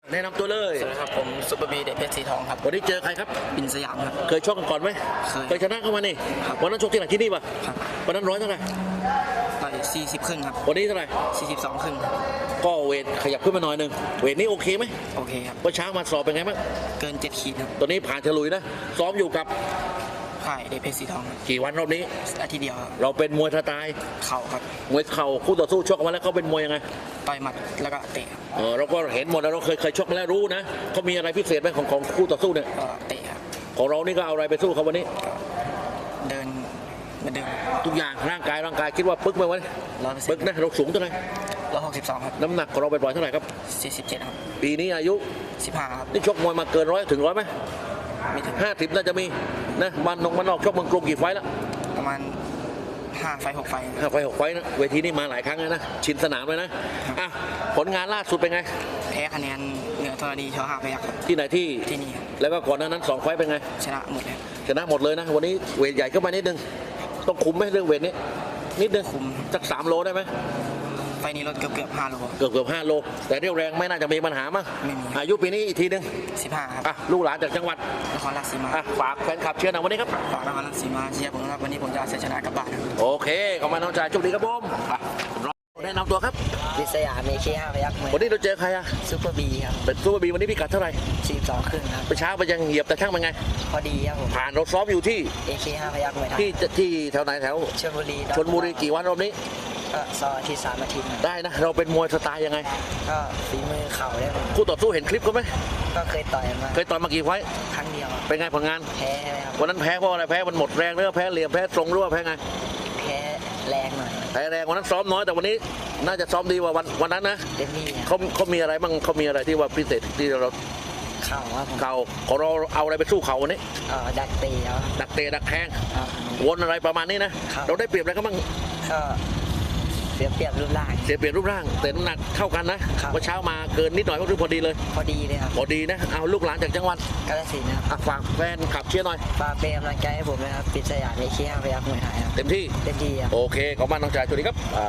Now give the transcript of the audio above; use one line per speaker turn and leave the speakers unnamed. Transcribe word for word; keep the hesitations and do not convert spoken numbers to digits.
แนะนำตัวเลย
สวัสดีครับผมซุปเปอร์บีเด็กเพชรสีทองครับ
วันนี้เจอใครครับ
บินสยามครับ
เคยชกกันก่อนไหม
เคย
เคยชนะเข้ามานี่
ครับ
วันนั้นชกที่ไหนที่นี่ป่ะ
ครับ
วันนั้นร้อยเท่าไหร่
ต่อยสี่สิบครึ่งครับ
วันนี้เท่าไหร่
สี่สิบสองครึ่ง
ก็เวทขยับขึ้นมาหน่อยหนึงเวทนี้โอเคไหม
โอเคครับ
เมื่อเช้ามาสอบเป็นไงบ้าง
เกินเจ็ดขีดครับ
ตอนนี้ผ่านฉลุยนะซ้อมอยู่กับ
ค่ายเด็กเพชรสีทองครับ
กี่วันรอบนี้
อาทิตย์เดียวครับ
เราเป็นมวยสไตล์
เข่าครับ
มวยเข่าคู่ต่อสู้ชกกันมาแล้วเขาเป็นมวยยังไง
ต่อยหมัดแล้วก็เตะครับ
เออเราก็เห็นหมดแล้วเราเคยเคยชกมาแล้วรู้นะเขามีอะไรพิเศษไหมของของคู่ต่อสู้เนี่ย
ก็เตะครับ
ของเรานี่ก็เอาอะไรไปสู้เขาวันนี้
เดินเหมือนเดิม
ทุกอย่างร่างกายร่างกายคิดว่าปึ๊กไหมวะ
ร้อยเปอร์เซ็
ปึ๊
น
ก
ต์
นะเราสูงเท่าไหร่
ร้อยหกสิบสองครับ
น้ำหนักของเราไปปล่อยเท่าไหร่ครับ
สี่สิบเจ็ดครับ
ปีนี้อายุ
สิบห้าครับ
นี่ชกมวยมาเกินร้อยถึงร้อยไหม
ไม่ถึง
ห้าสิบน่าจะมีนะมันนงมันนอกชกเมืองกรุงกี่ไฟต์แล้ว
ประมาณห้าไฟหกไฟครับ
ห้าไฟต์หกไฟต์นะเวทีนี้มาหลายครั้งแล้วนะชินสนามเลยนะอ่ะผลงานล่าสุดเป็นไง
แพ้คะแนนเหนือธรณีชอห้าพยัคฆ์ครับ
ที่ไหนที่
ที่นี่ครับ
แล้วก็ก่อนหน้านั้นสองไฟต์เป็นไง
ชนะหมดเลย
ชนะหมดเลยนะวันนี้เวทใหญ่ขึ้นมานิดนึงต้องคุมไหมเรื่องเวทนี้นิดนึง
คุม
สักสามโลได้ไหม
ไฟนี้ลดเกือบเกือบห้าโล
เกือบเกือบห้าโลแต่เรี่ยวแรงไม่น่าจะมีปัญหามั้ง
ไม่มี
อายุปีนี้อีกทีนึง
สิบห้าครับ
อ่ะลูกหลานจากจังหวัด
นครราชสีมา
อ่ะฝากแฟนคลับเชียร์หน่อยวันนี้ครับ
ฝากนครราชสีมาเชียร์ผมนะครับวันนี้ผมจะเอาชัยชนะกลับบ้านครับ
โอเคขอบคุณน้องชายโชคดีครับผมอ่ะแนะนำตัวครับ
วิสยาเมเคห้าพยักษ์
วันนี้เราเจอใครอ่ะ
ซูเปอร์บีครับ
เป็นซูเปอร์บีวันนี้พิกัดเท่าไหร่
สี่สิบสองครึ่งครับ
เมื่อเช้าไปยังเหยียบแต่ช่างเป็นไง
พอดีครับผม
ผ่านเราซ้อมอยู่ที่
เอเคห้าพยักษ์มวยไทย
ที่ที่แถวไหนแถว
ชลบุรี
ชนบุรีกี่วันรอบนี้
ก็ซอยที่สามอาทิตย์ครับ
ได้นะเราเป็นมวยสไตล์ยังไง
ก็ฝีมือเข่าได้ผม
คู่ต่อสู้เห็นคลิปเขาไหม
ก็เคยต่อยมา
เคยต่อยมากี่ไฟต์
ครั้งเดียวครับ
เป็นไงผลงาน
แพ้ใช่ไหมครับ
วันนั้นแพ้เพราะอะไรแพ้มันหมดแรงหรือว่าแพ้เหลี่ยมแพ้ตรงหรือว่าแพ้ไง
แพ้แรงหน่อย
แพ้แรงวันนั้นซ้อมน้อยแต่วันนี้น่าจะซ้อมดีกว่าวันวันนั้นนะ
เต็มที่ครับ
เขาเขามีอะไรบ้างเขามีอะไรที่ว่าพิเศษที่เรา
เข่าครับผม
เข่าของเราเอาอะไรไปสู้เขาวันนี้
เอ่อดักตีแล้ว
ดักเตะดักแทง
ครับ
วนอะไรประมาณนี้นะครับ เราได้เปรียบอะไรก็บ้าง
ก็เสียเปรียบรูปร่าง
เสียเปรียบรูปร่างแต่น้ำหนักเท่ากันนะครับ เมื่อเช้ามาเกินนิดหน่อยก็คือพอดีเลย
พอดีเลยครับ
พอดีนะเอาลูกหลานจากจังหวัด
กาฬสินธุ์นะครับ
อ่ะฝากแฟนขับเชียร์หน่อย
ฝากเป็นกำลังใจให้ผมนะครับวิสยาเมเคห้าพยักษ์มวยไทยครับ
เต็มที่
เต็มที่ครับ
โอเคขอบคุณมากน้องชายสวัสดีครับ